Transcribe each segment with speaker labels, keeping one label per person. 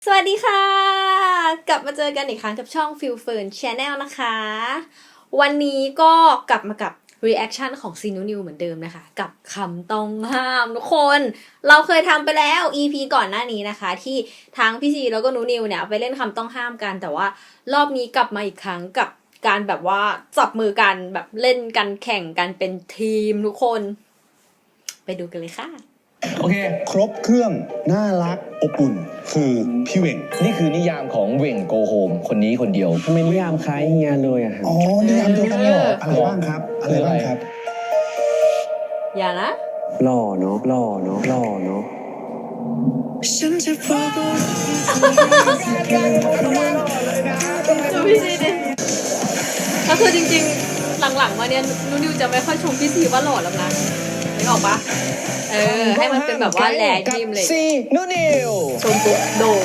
Speaker 1: สวัสดีค่ะกลับมาเจอกันอีกครั้งกับช่อง Feel Fern Channel นะคะวันนี้ก็กลับมากับ reaction ของซีนูนิวเหมือนเดิมนะคะกับคำต้องห้ามทุกคนเราเคยทำไปแล้ว EP ก่อนหน้านี้นะคะที่ทั้งพี่ซีแล้วก็นูนิวเนี่ยไปเล่นคำต้องห้ามกันแต่ว่ารอบนี้กลับมาอีกครั้งกับการแบบว่าจับมือกันแบบเล่นกันแข่งกันเป็นทีมทุกคนไปดูกันเลยค่ะ
Speaker 2: โอเค
Speaker 3: ครบเครื่องน่ารักอบอุ่นคือพี่เวง
Speaker 2: นี่คือนิยามของเว่งโกโฮมคนนี้คนเดียว
Speaker 4: ทำไมนิยามคล้ายเฮียเลยอะครับ
Speaker 3: อ๋อนิยามเดียวกันเลยเหรออะไรบ้างครับอะไรบ้างครับ
Speaker 1: อย่านะ
Speaker 4: หล่อเนาะหล่อเนาะหล่อเนาะ
Speaker 1: ดูพี่ซีดิก็คือจริงๆหลังๆมาเนี่ยนูนิวจะไม่ค่อยชมพี่ซีว่าหล่อแล้วนะนึกออกปะให้มันเป็นแบบว่าแหล่ยิ้มเลย
Speaker 2: ซีนูนิว
Speaker 1: ชมปุ๊บโดน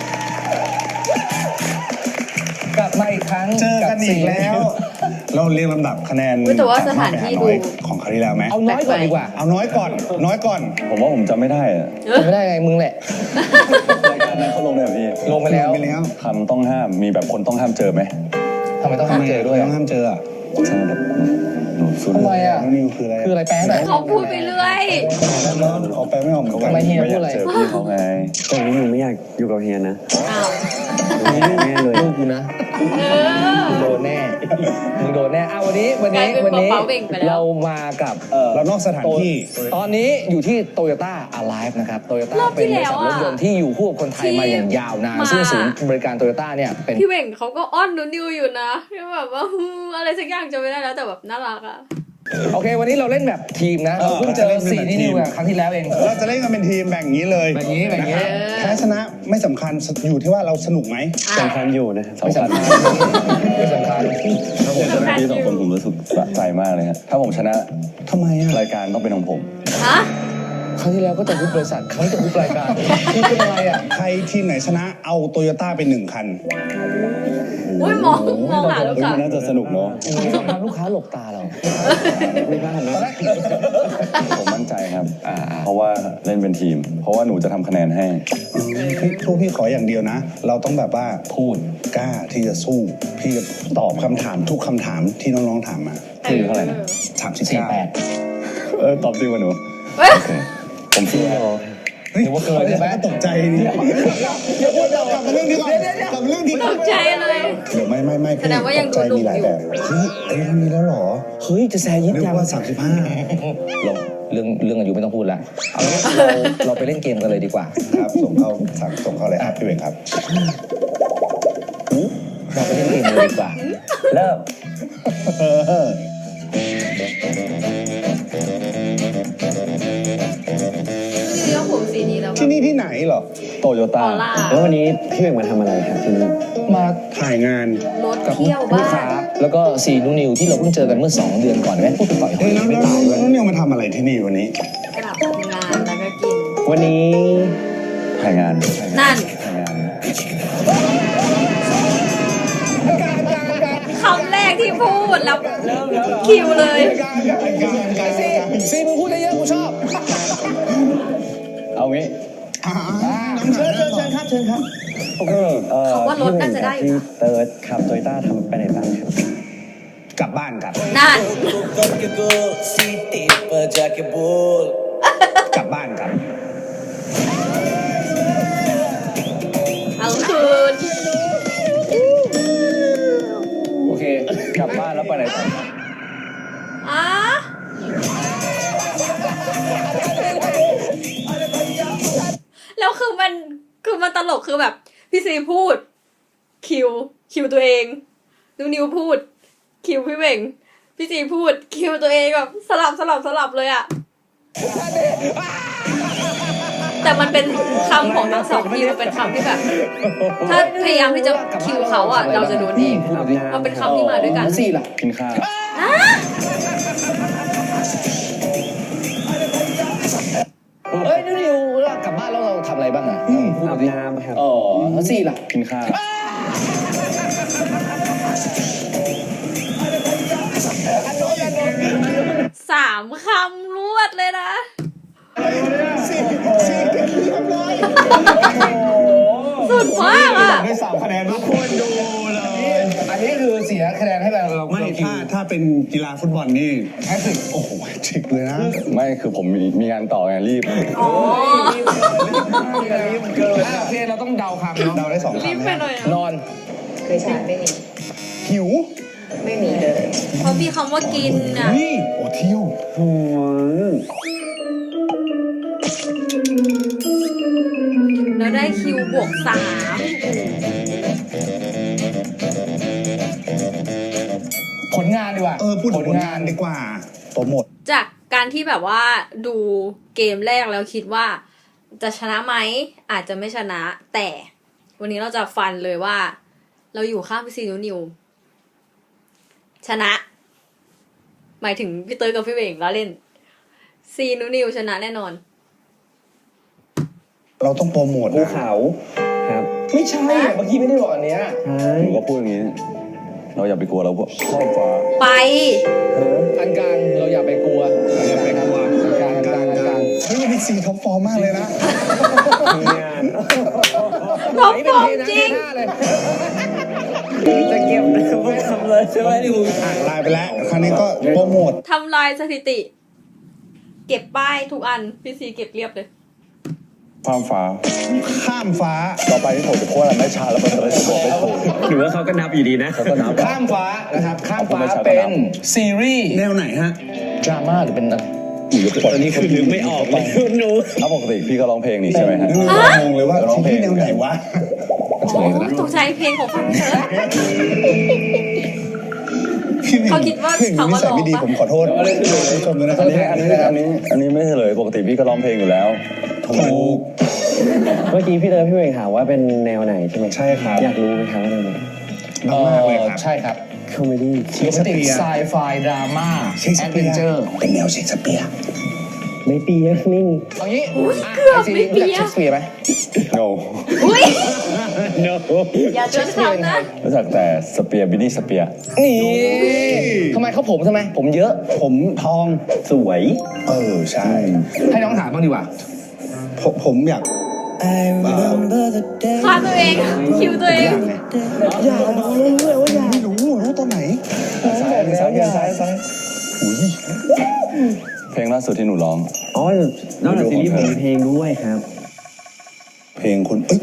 Speaker 2: กลับมาอีกครั้ง
Speaker 3: เจอกันอีกแล้วเราเรียงลำดับคะแนน
Speaker 1: แต่ว่าสถานที่ดู
Speaker 3: ของคราวที่แล้วไหม
Speaker 2: เอาน้อยก่อนดีกว่า
Speaker 3: เอาน้อยก่อน
Speaker 5: ผมว่าผมจำไม่ได้อะ
Speaker 2: จำไม่ได้ไงมึงแหละ
Speaker 5: รายการนั้นเขาลงเลยพี่
Speaker 2: ลงไปแล้ว
Speaker 5: คำต้องห้ามมีแบบคนต้องห้ามเจอไหม
Speaker 2: ทำไมต้องห้ามเจอด้วย
Speaker 3: ต้องห้ามเจออ่ะ
Speaker 5: ใช่แบบ
Speaker 2: ทำไมอ่ะ
Speaker 3: นิวคืออะไร
Speaker 2: คืออะไรแปลไหน
Speaker 1: เขาพูดไปเรื่อย
Speaker 3: เอาแปลไม่ออกเหมือนกัน
Speaker 2: ทำไมเฮียพูดอะไร
Speaker 5: เจอพี่เขาไง
Speaker 4: ตอนนี้หนูไม่อยากอยู่กับเฮียนะ
Speaker 1: อ้าว
Speaker 4: แน่เลย
Speaker 2: ลูกกูนะโดนแน่มึงโดนแน่วันนี้เรามากับ
Speaker 3: เรานอกสถานที่
Speaker 2: ตอนนี้อยู่ที่ Toyota Alive นะครับ Toyota เป็นบริษัทรถยนต์ที่อยู่คู่กับคนไทยมาอย่างยาวนานซึ่งศูนย์บริการ Toyota เนี่ยเป็น
Speaker 1: พี่เว่งเขาก็อ้อนนูนิวอยู่นะที่แบบว่าอะไรสักอย่างจะไม่ได้แล้วแต่แบบน่ารักอะ
Speaker 2: โอเควันนี้เราเล่นแบบทีมนะเราเพิ่งเจอ4นิวครั้งที่แล้วเอง
Speaker 3: เราจะเล่นกันเป็นทีมแบ่งนี้เลย
Speaker 2: แบบนี้
Speaker 3: แพ้ชนะไม่สำคัญอยู่ที่ว่าเราสนุกไหม
Speaker 4: สำคัญอยู่นะ
Speaker 2: ไม่สำคัญ
Speaker 5: ที่สองคนผมรู้สึกสะใจมากเลยครับถ้าผมชนะ
Speaker 3: ทำไมอะ
Speaker 5: รายการต้องเป็นของผม
Speaker 1: ฮะ
Speaker 2: ครั้งที่แล้วก็จะฮุบบริษัทครั้งจะฮุบรายการคือเป็นอะไรอ่ะ
Speaker 3: ใครทีมไหนชนะเอาโตโยต้าไป1 คัน
Speaker 1: อุ้ยมองหาลูกค้า
Speaker 5: น่าจะสนุกเนาะ
Speaker 2: ลูกค้าหลบตาเรา
Speaker 4: ไม่พลาดนะ
Speaker 5: ผมมั่นใจครับเพราะว่าเล่นเป็นทีมเพราะว่าหนูจะทำคะแนนให้
Speaker 3: พวกพี่ขออย่างเดียวนะเราต้องแบบว่า
Speaker 5: พูด
Speaker 3: กล้าที่จะสู้พี่จะตอบคำถามทุกคำถามที่น้องๆถามมา
Speaker 5: คือเท่าไหร่นะ
Speaker 3: 38
Speaker 5: ตอบจริงวะหนูผม
Speaker 2: เชื่อหรือว่าเกินใช่ไหม
Speaker 3: ตกใจนี่กลับมาเรื่องนี้ก่อน
Speaker 1: ตกใจเลย
Speaker 3: เดี๋ยวไม่แสดงว่ายังดูดุอยู่เฮ้ยทำนี้แล้วหรอ
Speaker 2: เฮ้ยจะแซยิด
Speaker 3: ยังว่า
Speaker 2: 35เรื่องอายุไม่ต้องพูดละเอาเราไปเล่นเกมกันเลยดีกว่า
Speaker 3: ครับส่งเข้าเลยพี่เวงครับ
Speaker 2: เราไปเล่นเกมเลยดีกว่าเริ่ม
Speaker 3: ที่นี่ที่ไหนเหรอ
Speaker 5: โตโยต้า
Speaker 4: แล้ววันนี้พี่เวงมาทำอะไรครับที่นี่
Speaker 3: มาถ่ายงาน
Speaker 2: กับลูกค้าแล้วก็ซีนูนิวที่เราเพิ่งเจอกันเมื่อ2 เดือนก่อนไหมพูดไปต่อย
Speaker 3: ไม่ตายด้วยนิวมาทำอะไรที่นี่วันนี้
Speaker 1: กลับงานแล้วก็กิน
Speaker 4: วันนี้
Speaker 5: ถ่ายงาน
Speaker 1: นั่นคำแรกที่พูดแล้วคิวเลย
Speaker 2: ซีมึงพูดได้เยอะกูชอบ
Speaker 5: เอางี้
Speaker 2: เชิญครับ
Speaker 4: โอเค
Speaker 1: เขาว่ารถน่าจะได้อยู่
Speaker 4: เติร์ดขับโตโยต้าทำไปไหนบ้างครับ
Speaker 3: กลับบ้านครับ
Speaker 1: นั่น
Speaker 3: กลับบ้านครับ
Speaker 1: เอาคืน
Speaker 5: โอเคกลับบ้านแล้วไปไหนต่อ
Speaker 1: แล้วคือมันตลกคือแบบพี่ซีพูดคิวตัวเองนิวพูดคิวพี่เบ่งพี่ซีพูดคิวตัวเองแบบสลับเลยอะแต่มันเป็นคำของทั้งสองทีมมันเป็นคำที่แบบถ้าพยายามที่จะคิวเขาอะเราจะโดนเองมันเป็นคำที่มาด้วยกัน
Speaker 2: สี่ล่ะ
Speaker 5: กินข้าว
Speaker 2: เฮ้ยนิวกลับบ้านแล้วเราทำอะไรบ้างอ่ะ
Speaker 4: อาบน้ำครับ
Speaker 2: แล้วสี่ล่ะ
Speaker 5: กินข้าว
Speaker 1: 3 คำรวดเลยนะ
Speaker 3: สี่เรียบร้อย
Speaker 1: สุดมากอ่ะ
Speaker 3: ได้3 คะแนนทุกคนดูเลย
Speaker 2: อันนี้คือเสียคะแนนให้เรา
Speaker 3: ไม่
Speaker 2: เราคิว
Speaker 3: ถ้าเป็นกีฬาฟุตบอลนี่
Speaker 2: แฮตทริก
Speaker 3: โอ้โหแฮตทริกเลยนะ
Speaker 5: ไม่คือผมมีงานต่อไงรีบ
Speaker 1: อ๋อ
Speaker 2: เกินโอเคเราต้องเดาคำเนาะ
Speaker 3: เดาได้2
Speaker 1: รีบ
Speaker 3: คำ
Speaker 1: ไป
Speaker 3: นะ
Speaker 1: หน่อยอะ
Speaker 2: นอน
Speaker 6: เคยใช้ไม่มี
Speaker 3: หิว
Speaker 6: ไม่มีเลย
Speaker 1: เพราะมีคำว่ากินอ่ะ
Speaker 3: นี่โอ้เที่ยว
Speaker 1: แล้วได้คิวบวก
Speaker 2: ผลงานดีกว่า
Speaker 3: พูดถึงผลงานดีกว่าโปรโมท
Speaker 1: 3 จากการที่แบบว่าดูเกมแรกแล้วคิดว่าจะชนะไหมอาจจะไม่ชนะ แต่วันนี้เราจะฟันเลยว่า เราอยู่ข้างพี่ซีนิวชนะ หมายถึงพี่เตยกับพี่เบ่งแล้วเล่นซีนิวชนะแน่นอน
Speaker 3: เราต้องโปรโมท
Speaker 4: ภู
Speaker 3: นะ
Speaker 4: เขาครับ
Speaker 2: ไม่ใช่เมื่อกี้ไม่ได้บอกอันเนี้ย
Speaker 4: ใช่
Speaker 5: หนูก็พูดอย่างนี้ เราอย่าไปกลัวเราพวกครอบฟ้า
Speaker 1: ไป
Speaker 2: อันกลางเราอย่าไปกลัว
Speaker 3: อย่าไปกลัว
Speaker 2: อันกลางอันกลางอันกลาง
Speaker 3: เฮ้ยวันนี้ซีท็อปฟอร์มมากเลยนะ
Speaker 4: มีงาน
Speaker 1: ท็อปฟอร์มจริง
Speaker 4: จะเก็บพวกคำเลยใช่ไหมดิว
Speaker 3: อ่านไลน์ไปแล้ว คราวนี้ก็โปรโมท
Speaker 1: ทำลายสถิติ เก็บป้ายทุกอัน พี่ซีเก็บเรียบเลย
Speaker 5: ฟ้าฟ้า
Speaker 3: ข้ามฟ้า
Speaker 5: ต่อไปที่ผมจะพูดอะไรไม่ช้าแล้วมันจะได้บอกไม่ถูก
Speaker 4: หรือว่าเขาก็นับอยู่ดีนะ
Speaker 5: เขาก็นับ
Speaker 2: ข้ามฟ้านะครับ ข้ามฟ้า
Speaker 5: ไม่ใช่
Speaker 2: เป็นซีรีส์
Speaker 3: แนวไหนฮะ
Speaker 2: ดราม่าหรือเป็นอะไร
Speaker 4: ตอนนี้คือนึกไม่ออกเลยหนู
Speaker 5: ถ้าปกติพี่ก็ร้องเพลงนี่ใช่ไหมฮะ
Speaker 3: งงเลยว่า
Speaker 5: ร้องเพลง
Speaker 3: ที่แนวไหนวะ
Speaker 1: โอ้ตกใจเพลงของฟังเถอะ
Speaker 3: พี่หนึ่ง
Speaker 1: เขาคิดว่า
Speaker 3: พี่หนึ่ง
Speaker 1: เขาว่า
Speaker 3: นิสัยไม่ดี
Speaker 1: ร้องปะ
Speaker 3: ผมขอโทษผู้ชมด้วยนะค
Speaker 5: อั
Speaker 3: รับ
Speaker 5: นนี้ไม่เฉลยปกติพี่ก็ร้องเพลงอยู่แล้ว
Speaker 3: ถูก
Speaker 4: เมื่อกี้พี่เตยพี่เวงถามว่าเป็นแนวไหนใช่ไหม
Speaker 3: ใช่ครับ
Speaker 4: อยากรู้ไหมครับว่าแนวไหน
Speaker 3: มากเลยครับ
Speaker 2: ใช่ครับ
Speaker 4: คอมเมดี้
Speaker 3: เชคสเปียร์
Speaker 2: ไซไฟดราม่า
Speaker 3: เชคส
Speaker 2: แอด
Speaker 3: เปี
Speaker 2: เวน
Speaker 3: ยร์
Speaker 2: เจอร์
Speaker 3: เป็นแนวเชคสเปียร์
Speaker 4: ไม่เปียกนิ่ง
Speaker 2: เอางี้
Speaker 1: เกือบไม่เปีย
Speaker 2: เชคสเปียร์ไหม
Speaker 5: no
Speaker 1: อุ้ย
Speaker 4: no
Speaker 1: อย่าจนเขานะ
Speaker 5: รู้จักแต่สเปียร์บินนี่สเปียร์
Speaker 2: นี่ทำไมเขาผมทำไม ผมเยอะ
Speaker 3: ผมทอง
Speaker 4: สวย
Speaker 3: ใช่
Speaker 2: ให้น้องถามบ้างดีกว่า
Speaker 3: ผมอยาก
Speaker 1: ฆ่าตัวเอง คิวตัวเอง
Speaker 3: อยากรู้เลยว่าอยากไม่รู้ตอนไหน
Speaker 5: ซ้ายอุ้ยเพลงล่าสุดที่หนูร้อง
Speaker 4: อ๋อนอกจากซีรีส์ผมมีเพลงด้วยครับ
Speaker 3: เพลงคุณเอ้ย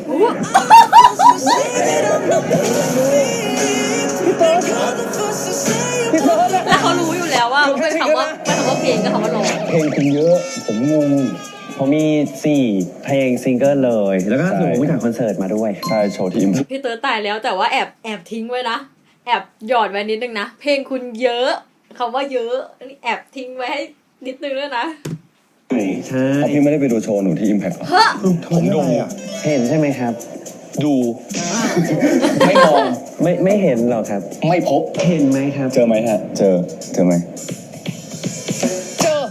Speaker 1: แล้วเขารู้อยู่แล้วว่าเป็นคำว่าเพลงกับคำว่าร้อง
Speaker 3: เพลงคุณเยอะ ผมงง
Speaker 4: ผมมี 4 เพลงซิงเกิลเลย แล้วก็หนูไปถ่ายคอนเสิร์ตมาด้วย
Speaker 5: ใช่โชว์ที่อิม
Speaker 1: พี่เต๋อตายแล้วแต่ว่าแอบทิ้งไว้นะ แอบหยอดไว้นิดนึงนะ เพลงคุณเยอะคำว่าเยอะนี่แอบทิ้งไว้ให้นิดนึงด้วยนะ
Speaker 4: ใช่
Speaker 5: เพราะพี่ไม่ได้ไปดูโชว์หนูที่ Impact หรอ
Speaker 3: ผมดูอ่ะ
Speaker 4: เห็นใช่ไหมครับ
Speaker 2: ดู ไม่มอง
Speaker 4: ไม่เห็นหรอกครับ
Speaker 2: ไม่พบ
Speaker 4: เห็นไหมครับ
Speaker 5: เจอไหมฮะ เจอไหม
Speaker 2: เจอ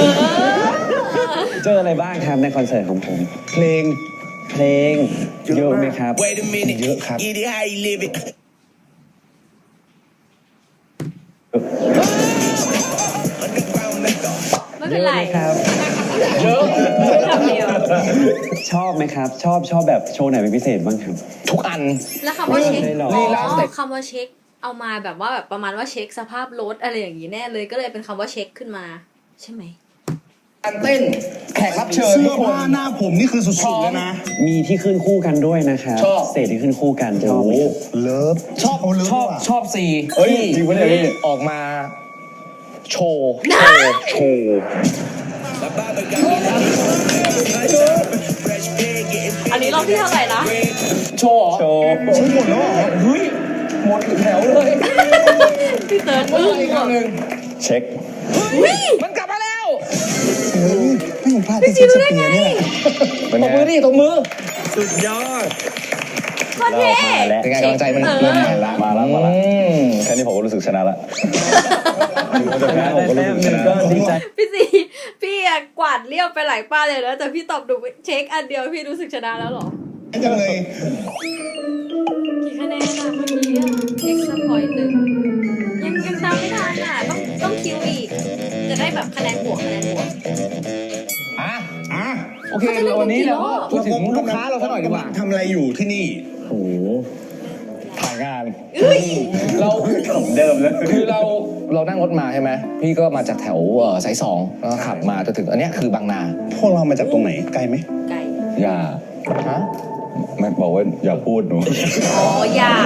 Speaker 4: เจออะไรบ้างครับในคอนเสิร์ตของผม
Speaker 3: เพลง
Speaker 4: เพลงเยอะไหมครับ
Speaker 3: เยอะครับ
Speaker 1: ไม่เป็นไร
Speaker 4: เยอะไหมครับ
Speaker 2: เยอะ
Speaker 1: คำเดียว
Speaker 4: ชอบไหมครับ ชอบแบบโชว์ไหนเป็นพิเศษบ้างครับ
Speaker 2: ทุกอัน
Speaker 1: แล้วคำว่าเช็ค
Speaker 4: ไม่หรอก
Speaker 2: ลีลาสเต็ป
Speaker 1: คำว่าเช็คเอามาแบบว่าแบบประมาณว่าเช็คสภาพรถอะไรอย่างนี้แน่เลยก็เลยเป็นคำว่าเช็คขึ้นมา ใช่ไหม
Speaker 2: การเต้น แขกรับเชิญ
Speaker 3: เสื้
Speaker 2: ทุ
Speaker 3: อก
Speaker 2: คน
Speaker 3: ผ้าหน้าผมนี่คือสุดๆเลยนะ
Speaker 4: มีที่ขึ้นคู่กันด้วยนะครับ
Speaker 2: ชอบ
Speaker 4: สเตจที่ขึ้นคู่กันชอบไหมครับ
Speaker 3: เลิฟ
Speaker 2: ชอบ
Speaker 3: เขาเลิฟ
Speaker 2: ชอบ
Speaker 3: ว่ะ
Speaker 2: ชอบซี
Speaker 5: เฮ้ยจริงปะเนี่ยพี่
Speaker 2: ออกมาโชว์
Speaker 5: โชว์
Speaker 1: อันนี้รอบที่เท่าไหร่นะ
Speaker 2: โชว์เหรอ
Speaker 5: โชว์
Speaker 3: ใช่หมดแล้วเหรอ
Speaker 2: เฮ้ยหมดแถวเลย
Speaker 1: พี่เติร์ด
Speaker 2: เฮ้
Speaker 1: อึ้
Speaker 2: ย
Speaker 1: ง
Speaker 2: อีกครั้งหนึ่ง
Speaker 5: เช็ค
Speaker 2: มันกลับมาแล้ว
Speaker 3: เฮ้ยไม่เห็นพลาดที่เชคสเปียร์เนี่ย
Speaker 5: เป็น
Speaker 2: ต
Speaker 5: ไง
Speaker 2: บมือดิตบมือ
Speaker 4: สุดยอด
Speaker 1: โคตรเท่
Speaker 4: เรามาแล้ว
Speaker 2: เป็นไงกำลังใจมัน
Speaker 1: เออ
Speaker 2: เริ่มมาละ
Speaker 5: มาละ แค่นี้ผมก็รู้สึกชนะละถึงผมจะแพ้ผมก็รู้สึกชนะ
Speaker 4: ก็ดีใจ
Speaker 1: พี่ซีพี่อะกวาดเรียบไปหลายป้ายเลยนะแต่พี่ตอบถูกเช็คอันเดียวพี่รู้สึกชนะแล้วเหรอ
Speaker 3: จังเลย
Speaker 1: กี่คะแนนอะเมื่อกี้อะ extra point หนึ่งยังตามไม่ทันอะต้องคิวอีก จะได้แบบคะแนนบวก
Speaker 2: อ่ะ
Speaker 3: อ่ะ
Speaker 2: โอเควันนี้เราก็พูดถึงลูกท้าเราสักหน่อยดีกว่า
Speaker 3: ทำอะไรอยู่ที่นี่
Speaker 4: โอ้โห
Speaker 2: ถ่ายงานเราเดิมเลยคือเรานั่งรถมาใช่ไหมพี่ก็มาจากแถวสาย 2แล้วก็ขับมาจนถึงอันเนี้ยคือบางนา
Speaker 3: พวกเรามาจากตรงไหนไกลไหม
Speaker 1: ไก่
Speaker 5: อย่า
Speaker 2: ฮะ
Speaker 5: ไม่บอกว่าอย่าพูดหนู
Speaker 1: อ๋ออย่า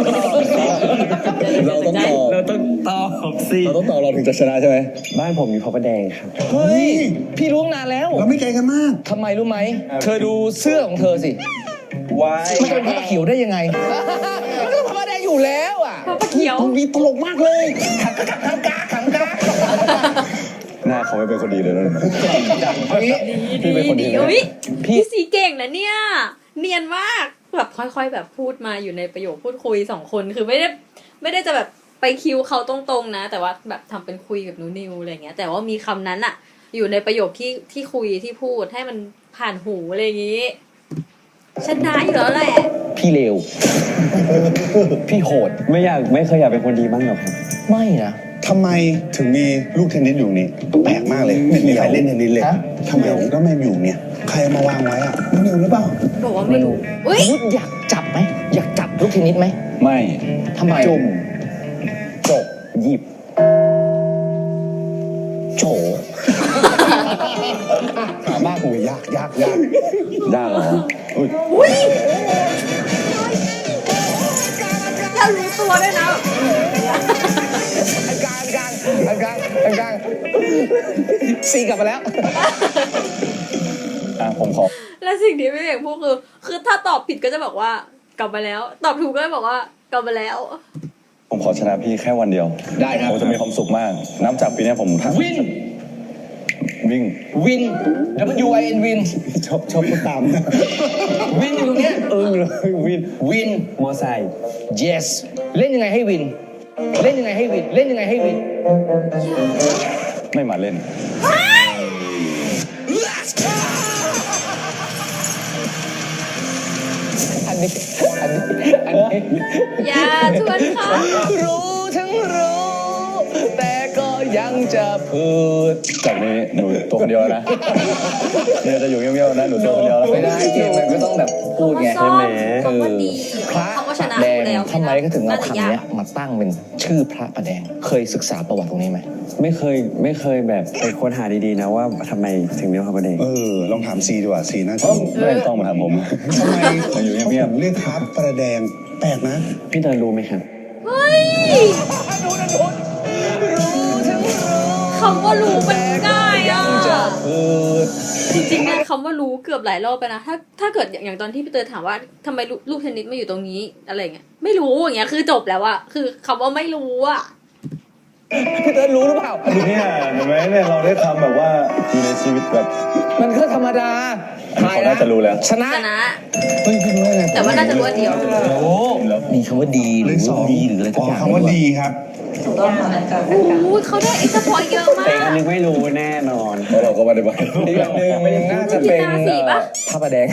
Speaker 5: เราต้องตอบ
Speaker 4: เราต้องตอบสิ
Speaker 5: เราต้องตอบเราถึงจะชนะใช่ไหม
Speaker 4: บ้านผมอยู่พระประแดงครับ
Speaker 2: เฮ้ยพี่รู้นานแล้ว
Speaker 3: เราไม่ไกลกันมาก
Speaker 2: ทำไมรู้ไหมเธอดูเสื้อของเธอสิ
Speaker 5: วาย
Speaker 2: มันจะเป็นผ้าเขียวได้ยังไงมันก็ผ้าแดงอยู่แล้วอ่ะ
Speaker 1: พระเขียว
Speaker 3: มีตลกมากเลย
Speaker 2: ขังกา
Speaker 5: หน้าเขาไม่เป็นคนดีเลยนะ
Speaker 2: อันนี้
Speaker 5: พี่เป็นคนดีไหม
Speaker 1: อุ๊ย
Speaker 2: พี่
Speaker 1: พี่สีเก่งนะเนี่ย เนียนมากแบบค่อยๆแบบพูดมาอยู่ในประโยคพูดคุย2 คนคือไม่ได้จะแบบไปคิวเขาตรงๆนะ แต่ว่าแบบทำเป็นคุยกับหนูนิวอะไรเงี้ยแต่ว่ามีคำนั้นอะอยู่ในประโยคที่คุยที่พูดให้มันผ่านหูอะไรอย่างงี้ชนะอยู่แล้วแหละ
Speaker 2: พี่เลวพี่โหด
Speaker 4: ไม่เคยอยากเป็นคนดีบ้างหรอครับ
Speaker 2: ไม่นะ
Speaker 3: ทำไมถึงมีลูกเทนนิสอยู่นี่แปลกมากเลย ไม่มีใครเล่นเทนนิสเลย
Speaker 2: ฮะ
Speaker 3: ทำไมก็ไม่อยู่เนี่ย ใครเอามาวางไว้อะน้องนิวหรือเปล่า
Speaker 1: บอกว่าไม่รู้อุ้ย
Speaker 2: นุชอยากจับไหมอยากจับลูกเทนนิสไหม
Speaker 5: ไม่
Speaker 2: ทำไม
Speaker 3: จุ่ม
Speaker 2: จบหยิบโฉถามบ้ากูยาก
Speaker 5: ยากเหรออุ้ย
Speaker 1: อย่ารู้ตัวด้วยนะ
Speaker 2: อันกลางซีกลับมาแล้ว
Speaker 5: ผมขอ
Speaker 1: และสิ่งที่พี่เอกพูดคือถ้าตอบผิดก็จะบอกว่ากลับมาแล้ว ตอบถูกก็จะบอกว่ากลับมาแล้ว
Speaker 5: ผมขอชนะพี่แค่วันเดียว
Speaker 2: ได้ครับ
Speaker 5: ผมจะมีความสุขมาก นับจากปีนี้ผม
Speaker 2: วิน
Speaker 5: วิ่ง
Speaker 2: วิน WIN วิน
Speaker 3: ชอบพูดตามนะ
Speaker 2: วินอยู่ตรงเนี้ย
Speaker 4: เลยวิน
Speaker 2: วิน
Speaker 4: มอไซค์
Speaker 2: yes เล่นยังไงให้วิน เล่นยังไงให้วิน เล่นยังไงให้วิน
Speaker 5: ไม่มาเล่น
Speaker 2: อันนี้
Speaker 1: อย่าชวนเขา
Speaker 2: รู้ทั้งรู้ แต่ก็ยังจะพูด
Speaker 5: จากนี้หนูตัวคนเดียวนะเนี่ยจะอยู่เงียบๆนะหนูตัวคนเดียวแล้ว
Speaker 2: ไม่ได้เกมมันก็ต้องแบบพูดไง
Speaker 1: คำว่าซ่อม
Speaker 2: เออ
Speaker 1: คำว่าดี
Speaker 2: พระ
Speaker 1: คำว่าชนะ
Speaker 2: แด
Speaker 1: อง ยู่แล้ว
Speaker 2: ทำไมก็ถึงเอา
Speaker 1: น่าจะ
Speaker 2: คำ
Speaker 1: ยาก
Speaker 2: เนี้ยมาตั้งเป็นชื่อพระประแดง เคยศึกษาประวัติตรงนี้ไหม
Speaker 4: ไม่เคยแบบไปค้นหาดีๆนะว่าทำไมถึงเรียกพระประแดง
Speaker 3: ลองถามซีดีกว่าซีน่าจะ
Speaker 5: ไม่ต้องมาถามผม
Speaker 3: ทำไม
Speaker 5: มาอยู่
Speaker 3: เขา
Speaker 5: เงียบ
Speaker 3: ถึงเรียกพระประแดงแปลกนะ
Speaker 4: พี่เตยรู้ไหมครับ
Speaker 1: เฮ้ยคำว่ารู้มันง่ายอ่ะ จริงๆเนี่ยคำว่ารู้เกือบหลายรอบไปนะถ้าเกิดอย่างตอนที่พี่เตยถามว่าทำไมลูกเทนนิสมาอยู่ตรงนี้อะไรเงี้ยไม่รู้อย่างเงี้ยคือจบแล้วอะคือคำว่าไม่รู้อะ
Speaker 2: พี่เติร์ดรู้หรือเปล่า
Speaker 5: เนี่ยเห็นไหมเนี่ยเราได้ทำแบบว่าอยู่ในชีวิตแบบ
Speaker 2: มันก็ธรรมดา
Speaker 5: เขาน่าจะรู้แล้ว
Speaker 2: ชนะ
Speaker 1: ชนะ
Speaker 2: เฮ้ยพี่รู้ได้ไง
Speaker 1: แต่ว่าน่าจะรู้อันเดียว
Speaker 2: โอ้มีคำว่าดีหรือ
Speaker 3: สอง
Speaker 2: ดีหรืออะไรทุกอย่าง
Speaker 3: คำว่าดีครับ
Speaker 6: ถูกต้องค่ะอันกลาง
Speaker 1: โอ้โหเขาได้เอ็กซ์พอยต์เยอะมา
Speaker 4: แต่อัน
Speaker 1: ก
Speaker 4: นึงไม่รู้แน่นอน
Speaker 5: เพราะเราก็ไม่ได้ไป
Speaker 2: อีกอย่างหนึ่งน่าจะเป็น
Speaker 1: กีฬาสีปะ
Speaker 2: พระประแดง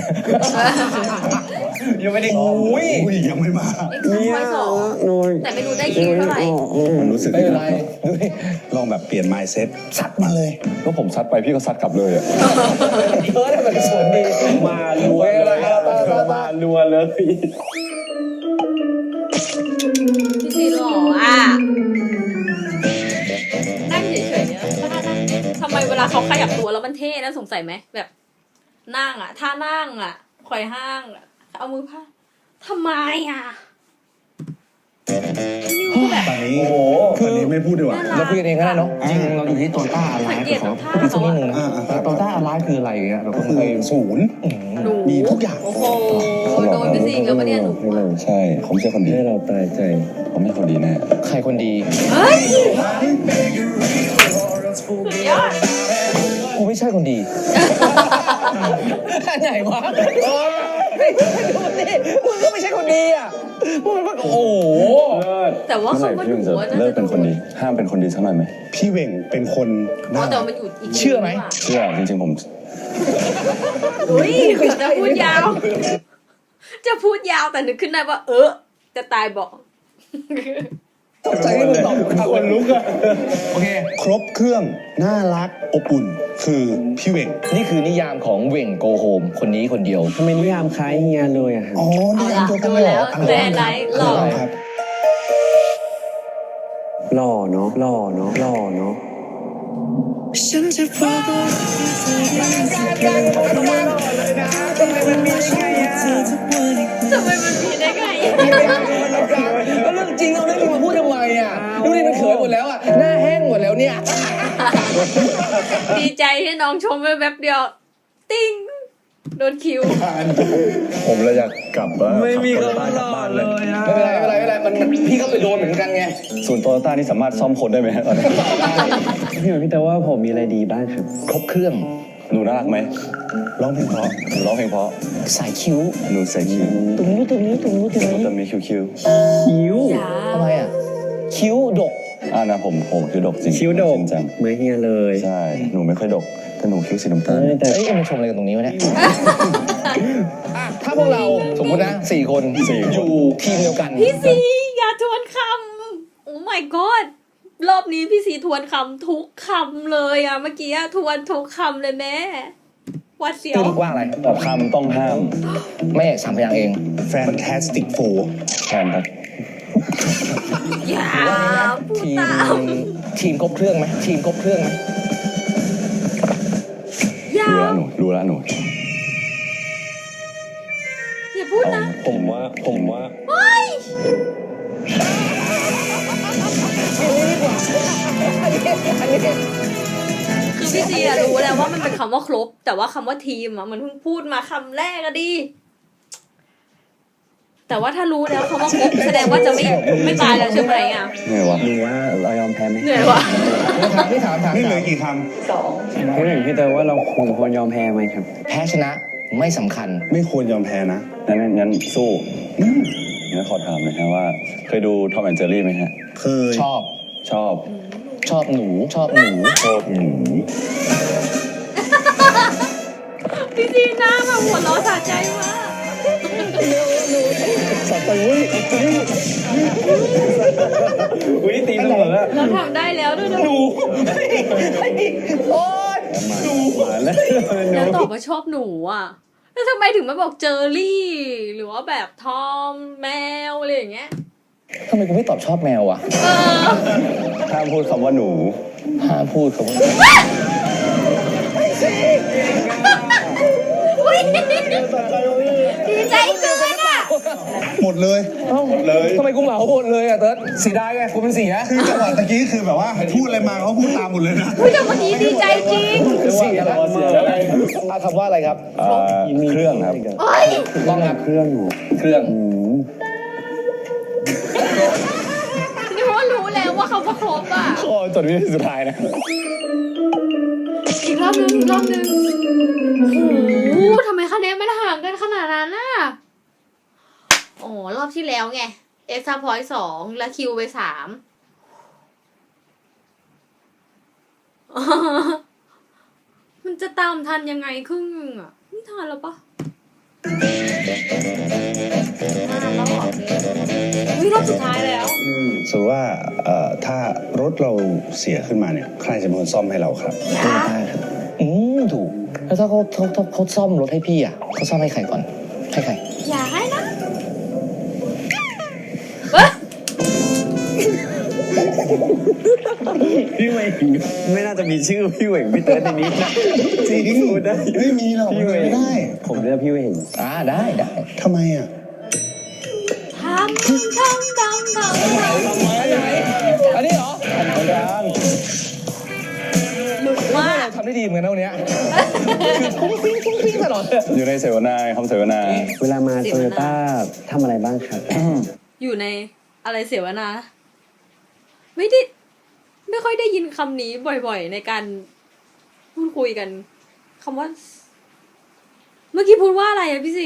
Speaker 4: ยังไม่ได้
Speaker 3: อุ้ยยังไม่มา
Speaker 1: เอ็กซ์พอยต์2แต่ไม่รู้ได้คิวเท่าไหร่
Speaker 3: มันรู้สึก
Speaker 2: ไม่เป็นไรดูดิ
Speaker 3: ลองแบบเปลี่ยน mindset ซัดมาเลย
Speaker 5: ก็ผมซัดไปพี่ก็ซัดกลับเลยอะ
Speaker 2: เออได้แบบสวนดี
Speaker 4: มาลัวเลยมาลัวเลย
Speaker 1: พี่ซีหล่ออ่ะนั่งเฉยๆเนี่ยทำไมเวลาเขาขยับตัวแล้วมันเท่นะสงสัยไหมแบบนั่งอ่ะท่านั่งอ่ะไขว่ห้างอะเอามือพาดทำไมอ่ะนี่ก็แบบ
Speaker 3: ตอนนี้ตอนนี้ไม่พูดดีกว่า
Speaker 2: เราคุยกันเองก็ได้เนาะจริงเราอยู่ที่โตต้าอะไร
Speaker 1: สังเกต
Speaker 2: ขอ
Speaker 1: ท่า
Speaker 2: พี่สักนิดนึงนะ
Speaker 3: อ่า
Speaker 2: โตต้าอะไรคืออะไรเงี้ยเราก็
Speaker 3: คือ
Speaker 2: เคย
Speaker 3: ศูนย์
Speaker 1: หนู
Speaker 3: มีทุกอย่าง
Speaker 1: โอ้โหโดนไปสิแล้วมาเนี่ยหนูอะ
Speaker 5: ใช่เขาไม่ใช่คนดี
Speaker 4: ให้เราตายใจ
Speaker 5: เขาไม่ใช่คนดีแน่
Speaker 2: ใครคนดี
Speaker 1: เฮ้ยสุดยอด
Speaker 2: กูไม่ใช่คนดีอันไหนวะโอ้ยดูดิมึงก็ไม่ใช่คนดีอ่ะมึงมันโอ้โห
Speaker 1: แต่ว่า
Speaker 5: เมื่อไหร่
Speaker 1: คำว่า
Speaker 5: พี่
Speaker 1: หนู
Speaker 5: ถึงจะ
Speaker 1: อะน่า
Speaker 5: เลิก
Speaker 1: จะ
Speaker 5: เป็นคนดี ห้ามเป็นคนดีสักหน่อยไหม
Speaker 3: พี่เหว่งเป็นคนน่า
Speaker 1: แต่
Speaker 3: รัก
Speaker 1: มันอยู่อีก
Speaker 2: เชื่อไหม
Speaker 5: เชื่อจริงๆผม
Speaker 1: อุ้ยจะพูดยาว จะพูดยาวแต่นึกขึ้นได้ว่า จะตายบอก
Speaker 2: ตกใจที่มึงตอบคนลุกอะโอเค
Speaker 3: ครบเครื่องน่ารักอบอุ่น คือพี่เหว่ง
Speaker 2: นี่คือนิยามของเหว่งโกโฮมคนนี้คนเดียว
Speaker 4: ทำไมนิยามคล้ายเฮียเลยอะครับ
Speaker 3: อ๋อ
Speaker 1: เอา
Speaker 3: นี่
Speaker 1: ละ
Speaker 3: อันเดียวกัน
Speaker 1: ดู
Speaker 3: เลยเหร
Speaker 1: แล้
Speaker 3: อ
Speaker 1: ว
Speaker 3: อะไร
Speaker 1: แด
Speaker 3: บ้าง
Speaker 1: นไลท์หล่อ
Speaker 3: ครับ
Speaker 4: หล่อเนาะหล่อเนาะหล่อเนาะ
Speaker 7: ฉันจะบอกว่าทำไมมันมีได้ไงอ่ะ
Speaker 1: ทำไมมันมีได้ไง
Speaker 2: ก็เรื่องจริงเราไม่มีมาพูดทำไมอ่ะดูดิมันเขินหมดแล้วอ่ะหน้าแห้งหมดแล้วเนี่ย
Speaker 1: ดีใจที่น้องชมไปแป๊บเดียว ติ้งโดนคิว
Speaker 5: ผมเลยอยากกลับว่า
Speaker 4: ไม่มี
Speaker 5: ขั
Speaker 4: คำ
Speaker 5: บ
Speaker 4: ว่าหล่อเลยอะ
Speaker 2: ไม่เป็นไรไม่เป็นไรไม่เป็นไรมันพี่ก็ไปโดนเหมือนกันไง
Speaker 5: ส่วนโตโยต้านี่สามารถซ่อมคนได้ไหมฮะตอนนี้
Speaker 4: พี่เหมือนพี่แต่ว่าผมมีอะไรดีบ้างครับ
Speaker 2: ครบเครื่อง
Speaker 5: หนูน่ารักไหม
Speaker 3: ร้องเพลงเพราะ
Speaker 5: หนูร้องเพลงเพราะ
Speaker 2: สายคิ้ว
Speaker 5: หนูใส่คิ้ว
Speaker 2: ตรงนี้ตรงนี้ตรงนี้ตรง
Speaker 5: หนู
Speaker 2: นี้
Speaker 5: จะมีคิ้ว
Speaker 4: คิ้ว
Speaker 1: อย่า
Speaker 2: ทำไมอ่ะคิ้วดก
Speaker 5: นะผมคิ้วดกจริง
Speaker 4: คิ้วโด
Speaker 5: จ
Speaker 4: ก
Speaker 5: ริงจัง
Speaker 4: เหมือนเฮียเลย
Speaker 5: ใช่หนูไม่ค่อยดกแต่หนูคิ้วสีน้ำตาล
Speaker 4: แต่
Speaker 2: เอ้ยมันชมอะไรกันตรงนี้วะเนี่ยอ่ะถ้าพวกเราสมมตินะ4 คนอยู่ทีมเดียวกัน
Speaker 1: พี่ซีอย่าทวนคำโอ้ my god รอบนี้พี่ซีทวนคำทุกคำเลยอะเมื่อกี้อะทวนทุกคำเลยแม่วัดเสียว
Speaker 2: ตึ้งว่าอะไร
Speaker 5: แบบคำต้องห้าม
Speaker 2: แม่3 พยางค์เอง
Speaker 3: Fantastic Four
Speaker 5: แทนครับ
Speaker 1: อย่าพูด
Speaker 2: ทีม
Speaker 1: ตาม
Speaker 2: ทีมครบเครื่องไหมทีมครบเครื่องไหม
Speaker 1: อย่า
Speaker 5: รู้แล้วหนู
Speaker 1: อย่าพูดนะ
Speaker 5: ผมว่า
Speaker 1: เฮ้ยคือพี่ซีอะรู้แล้วว่ามันเป็นคำว่าครบ แต่ว่าคำว่าทีมอะมันเพิ่งพูดมาคำแรกอะดิแต่ว่าถ้ารู้แล้วคำว่าครบแสดงว่าจะไม่ตายแล้วใช่ไหมอะ
Speaker 5: ไงวะ
Speaker 4: หนูว่าเรายอมแพ้ไหม
Speaker 1: เหนื่อยวะ
Speaker 2: พี่ถาม
Speaker 3: นี่เหลือกี่ค
Speaker 4: พี่เหมือนพี่แต่ว่าเราควรยอมแพ้ไหมครับ
Speaker 2: แพ้ชนะไม่สำคัญ
Speaker 3: ำไม่ควรยอมแพ้นะ
Speaker 5: งั้นสู้งั้นขอถามหน่อยฮะว่า เคยดูทอมแอนด์เจอรี่ไหมฮะ
Speaker 3: เคย
Speaker 2: ชอบ
Speaker 5: ชอบ
Speaker 2: ชอบหนู
Speaker 5: ชอบหนู
Speaker 1: พี่ซีหน้าแบบหัวเราะสะใจมาก
Speaker 4: อุ้ยตีเสมอ
Speaker 1: เราทำได้แล้วด้วยนะ
Speaker 4: มาแล้ว
Speaker 1: แล้วตอบว่าชอบหนูอ่ะแล้วทำไมถึงไม่บอกเจอรี่ หรือว่าแบบทอมแมวอะไรอย่างเงี้ย
Speaker 2: ทำไมกูไม่ตอบชอบแมวอ่ะ
Speaker 1: เออ
Speaker 5: ห้ามพูดคำว่าหนู
Speaker 2: ห้ามพูดคำว่า
Speaker 1: อุ๊ยดีใจเกินอ่ะ
Speaker 3: หมดเลย
Speaker 2: หมดเลยทำไมกูเหมาหมดเลยอ่ะเติร์ดเสียดายไงกูเป็นเสีย
Speaker 3: คือจังหวะตะกี้คือแบบว่าพูดอะไรมาเขาพูดตามหมดเลยนะ
Speaker 1: อุ๊ยแต่เมื่อกี้ดีใจจริง
Speaker 2: เสียแล้วเอาคำว่าอะไรครับ
Speaker 5: เครื่องครับ
Speaker 1: โอ้ย
Speaker 2: ต้องครับ
Speaker 4: เครื่องหนู
Speaker 2: เครื่อง
Speaker 1: นี่เพราะว่ารู้แล้วว่าเขาประคบอ่ะ
Speaker 2: ข้อจดวิธีสุดท้ายนะ
Speaker 1: อีกรอบนึงอีกรอบนึงโอ้โหทำไมคะแนนไม่ห่างกันขนาดนั้นน่ะอ๋อรอบที่แล้วไงเอ็กซ์ตร้าพอยต์2แล้วคิวไป3มันจะตามทันยังไงครึ่งนึงอ่ะไม่ทันแล้วปะแล้วเหรอวิรอบสุดท้ายแล้ว
Speaker 3: สมมติว่าถ้ารถเราเสียขึ้นมาเนี่ย ใครจะเป็นคนซ่อมให้เราครับ
Speaker 2: ถูก แล้วถ้าเขาซ่อมรถให้พี่อ่ะเขาซ่อมให้ใครก่อน ให้ใคร
Speaker 1: อย่าให้นะเฮ้ย
Speaker 4: พี่เหว่งไม่น่าจะมีชื่อพี่เหว่งพี่เติร์ดในนี้นะ
Speaker 3: จริง
Speaker 4: พูดได้
Speaker 3: ไม่มีหรอก
Speaker 4: พี่เหว่ง
Speaker 3: ไม่ได้
Speaker 4: ผมเรียกพี่เหว่ง
Speaker 2: ได้
Speaker 3: ทำไมอ่ะ
Speaker 1: ทำ
Speaker 2: อันนี้เหรอ
Speaker 1: หลุดมาก
Speaker 2: เราทำได้ดีเหมือนกันนะวันเนี้ยคือฟุ้งฟิ้งตลอดเลย
Speaker 5: อยู่ในเสวนาคำเสวนา
Speaker 4: เวลามาโตโยต้าทำอะไรบ้างครับ
Speaker 1: อยู่ในอะไรเสวนา ไม่ค่อยได้ยินคำนี้บ่อยๆ ในการพูดคุยกันคำว่า เมื่อกี้พูดว่าอะไรอะพี่ซี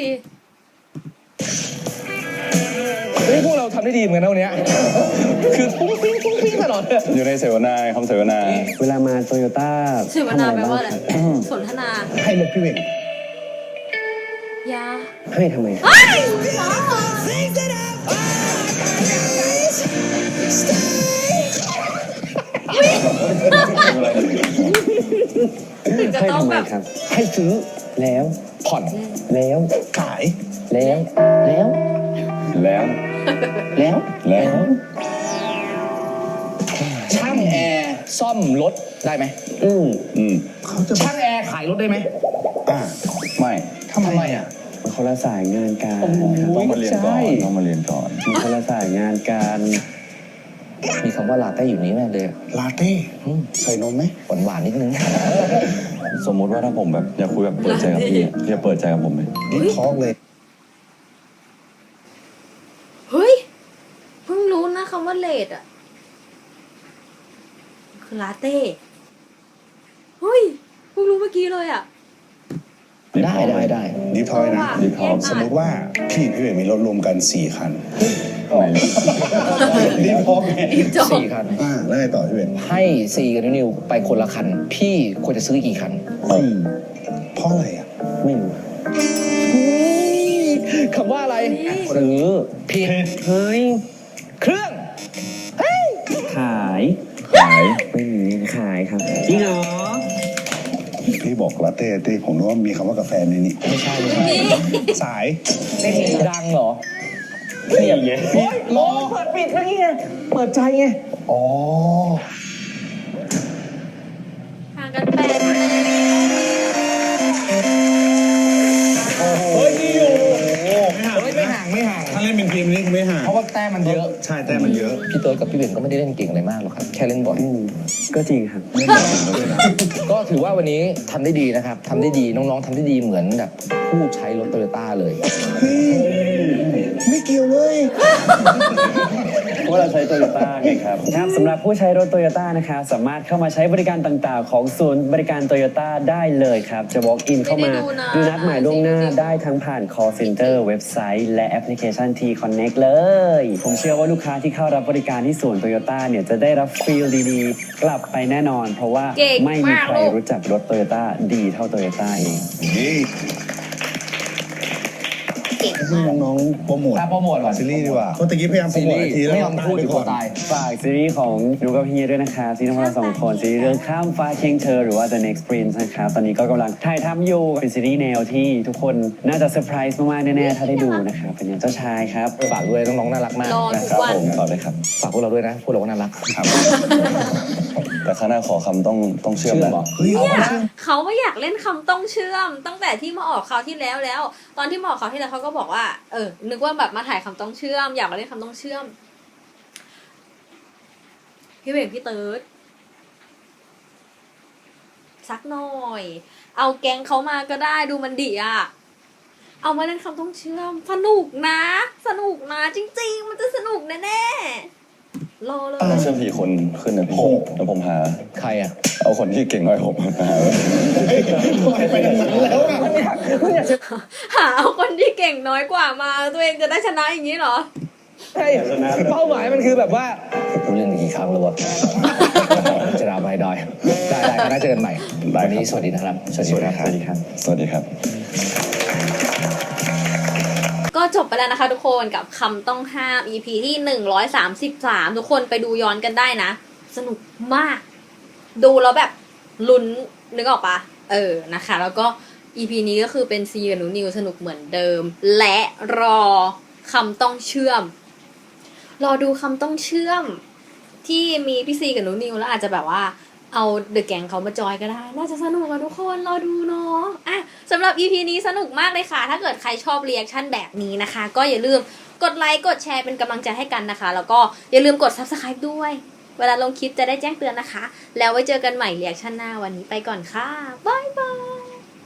Speaker 2: พวกเราทำได้ดีเหมือนกันนะวันเนี้ยคือฟุ้งฟิ้งตลอดเลย
Speaker 5: อยู่ในเสวนาคำเสวนา
Speaker 4: เวลามาโตโยต้า
Speaker 1: เสวนาแปลว่าอะไร สนทนา
Speaker 3: ให้รถพี่เหว่ง
Speaker 1: ยา
Speaker 4: เฮ้ยทำไม
Speaker 1: เฮ้ย
Speaker 7: Things that I
Speaker 4: ครับ
Speaker 2: ให้ซื้อ
Speaker 4: แล้ว
Speaker 2: ผ่อน
Speaker 4: แล้ว
Speaker 3: ขาย
Speaker 4: แล้ว แล้ว
Speaker 5: แล้ว
Speaker 4: แล้ว
Speaker 5: แล้ว
Speaker 2: ช่างแอร์ซ่อมรถได้ไหม
Speaker 4: อืม
Speaker 5: อืม
Speaker 3: เขาจะ
Speaker 2: ช่างแอร์ขายรถได้ไหม
Speaker 3: อ่า
Speaker 5: ไม่
Speaker 2: ทำไมอ่ะ
Speaker 4: มันคนละสายงานกันครับ
Speaker 5: ต้องมาเรียนก่อนต้องมาเรียนก่อน
Speaker 4: มันคนละสายงานกัน
Speaker 2: มีคำว่าลาเต้อยู่นี้แน่เลย
Speaker 3: ลาเต้ใส่นมไหม
Speaker 2: หวานหวานๆนิดนึง
Speaker 5: สมมุติว่าถ้าผมแบบอยากคุยแบบเปิดใจกับพี่พี่จะเปิดใจกับผมไหม
Speaker 3: ดิทอกเลย
Speaker 1: เฮ้ย เพิ่งรู้นะคำว่าเลดอ่ะ คือลาเต้ เฮ้ย เพิ่งรู้เมื่อกี้เลยอ่ะ
Speaker 2: ได้ได้ได้
Speaker 3: ดิทอยนะ
Speaker 5: ดีท็อก
Speaker 3: สมมติว่าพี่เวทมีรถรวมกัน 4 คัน
Speaker 5: ไหน
Speaker 3: ดิทอกไง
Speaker 1: จบ
Speaker 2: 4 คัน
Speaker 3: แล้วไงต่อพี่เวท
Speaker 2: ให้ซีกับนิวไปคนละคัน พี่ควรจะซื้อกี่คัน
Speaker 3: เพราะอะไรอ่ะ
Speaker 4: ไม่รู้
Speaker 2: คำว่าอะไร
Speaker 4: ซื้อ
Speaker 2: ผิด
Speaker 4: เฮ้ย
Speaker 2: เครื่อง
Speaker 4: ขาย
Speaker 5: ขาย
Speaker 4: ไม่มีขายครับจริงเหรอ
Speaker 3: พี่บอกลาเต้ที่ผมนึกว่ามีคำว่ากาแฟในนี้
Speaker 2: ไม่ใช่ไม่ใช่
Speaker 3: สาย
Speaker 2: ดังเหรอ
Speaker 4: นี่ไง
Speaker 2: โอ้ยรอเปิดปิดเมื่อกี้ไง เปิดใจไง
Speaker 3: อ๋อ
Speaker 1: ห่างกัน8
Speaker 2: เฮ้ยนี่อยู่ไม่ห่างไม่ห่าง
Speaker 3: ถ้าเล่นเป็นทีมนี้ไม่ห่าง
Speaker 2: เพราะว่าแต้มมันเยอะ
Speaker 3: ใช่แต่มันเยอะ
Speaker 2: พี่เติร์ดกับพี่เบนก็ไม่ได้เล่นเก่งอะไรมากหรอกครับ แค่เล่นบอล
Speaker 4: ก็จริงครับ
Speaker 2: ก็ถือว่าวันนี้ทำได้ดีนะครับทำได้ดีน้องๆทำได้ดีเหมือนแบบผู้ใช้รถโตโยต้าเลย
Speaker 3: ไม่เกี่ยวเลย
Speaker 4: เพราะเราใช้โตโยต้าไงครับครับสำหรับผู้ใช้รถโตโยต้านะครับสามารถเข้ามาใช้บริการต่างๆ ของศูนย์บริการโตโยต้าได้เลยครับ จะ walk in เข้ามาดูนัดหมายล่วงหน้าได้ทั้งผ่าน call center เว็บไซต์ และแอปพลิเคชัน T Connect เลย ผมเชื่อว่าลูกค้าที่เข้ารับบริการที่ศูนย์โตโยต้าเนี่ยจะได้รับฟีลดีๆ กลับไปแน่นอน เพราะว่าไม่มีใครรู้จักรถโตโยต้าดีเท่าโตโยต้าเอง
Speaker 1: เก่ง
Speaker 3: ให้
Speaker 1: มาก
Speaker 3: น้องๆโปรโมท
Speaker 2: โปรโมทก่อน
Speaker 3: ซีรีส์ดีกว่าเขาตะกี้พยายามโปร
Speaker 2: ซี
Speaker 3: โมท
Speaker 2: รี
Speaker 3: ไอ
Speaker 2: ส์
Speaker 3: ทีแล้ว
Speaker 2: ไม่ยอมพูดอยู่ตัวตาย
Speaker 4: ฝากซีรีส์ของดูกับเฮียด้วยนะครับซีรีส์ของเราสองคนซีรีส์เรื่องข้ามฟ้าเคียงเธอหรือว่า The Next Prince นะครับตอนนี้ก็กำลังถ่ายทำอยู่เป็นซีรีส์แนวที่ทุกคนน่าจะเซอร์ไพรส์มากๆแน่ๆถ้าได้ดูนะครับเป็นแนวเจ้าชายครับ
Speaker 2: ฝากด้วยน้องๆน่ารักมาก
Speaker 1: รอ
Speaker 2: นะ
Speaker 1: ทุ
Speaker 2: ค
Speaker 1: ก
Speaker 2: รับ
Speaker 1: วัน
Speaker 5: ผมต่อเลยครับ
Speaker 2: ฝากพวกเราด้วยนะพวกเราก็น่ารักครับ
Speaker 5: แต่ข้างหน้าขอคำต้องเชื่อม
Speaker 2: เชื่อ
Speaker 5: นะ
Speaker 2: มเหรอ
Speaker 1: เนี่ยเขาไม่อยากเล่นคำต้องเชื่อม ตั้งแต่ที่มาออกคราวที่แล้ว ตอนที่มาออกคราวที่แล้วเขาก็บอกว่านึกว่าแบบมาถ่ายคำต้องเชื่อม อยากมาเล่นคำต้องเชื่อม พี่เบงพี่เติร์ดสักหน่อย เอาแก๊งเขามาก็ได้ดูมันดีอ่ะ เอามาเล่นคำต้องเชื่อม สนุกนะ สนุกนะจริงๆ มันจะสนุกแน่ๆรอเลย
Speaker 5: เชื่อม4 คนขึ้นนะพี่แล้วผมหา
Speaker 2: ใครอ่ะ
Speaker 5: เอาคนที่เก่งน้อยผมมาหา
Speaker 3: ไปทางนั้นแล้วอะ
Speaker 1: หาเอาคนที่เก่งน้อยกว่ามา ตัวเองจะได้ชนะอย่างนี้เหรอ
Speaker 2: ใช่เป้าหมายมันคือแบบว่ากูเล่นกี่ครั้งแล้ววะจะดาวไปดอยได้ก็น่าเจอกันใหม่วันนี้สวัสดีนะครับสวัสดีครับ
Speaker 5: สวัสดีครับ สวัสดีครับ
Speaker 1: ก็จบไปแล้วนะคะทุกคนกับคำต้องห้าม EP ที่133ทุกคนไปดูย้อนกันได้นะ สนุกมาก ดูแล้วแบบลุ้นนึกออกปะนะคะ แล้วก็ EP นี้ก็คือเป็นซีกับหนูนิวสนุกเหมือนเดิม และรอคำต้องเชื่อม รอดูคำต้องเชื่อม ที่มีพี่ซีกับหนูนิวแล้วอาจจะแบบว่าเอาเดอะแก๊งเขามาจอยก็ได้ น่าจะสนุกอะทุกคนรอดูเนาะสำหรับ EP นี้สนุกมากเลยค่ะ ถ้าเกิดใครชอบรีแอคชั่นแบบนี้นะคะ ก็อย่าลืมกดไลค์กดแชร์เป็นกำลังใจให้กันนะคะ แล้วก็อย่าลืมกด Subscribe ด้วย เวลาลงคลิปจะได้แจ้งเตือนนะคะ แล้วไว้เจอกันใหม่รีแอคชั่นหน้าวันนี้ไปก่อนค่ะบ๊ายบาย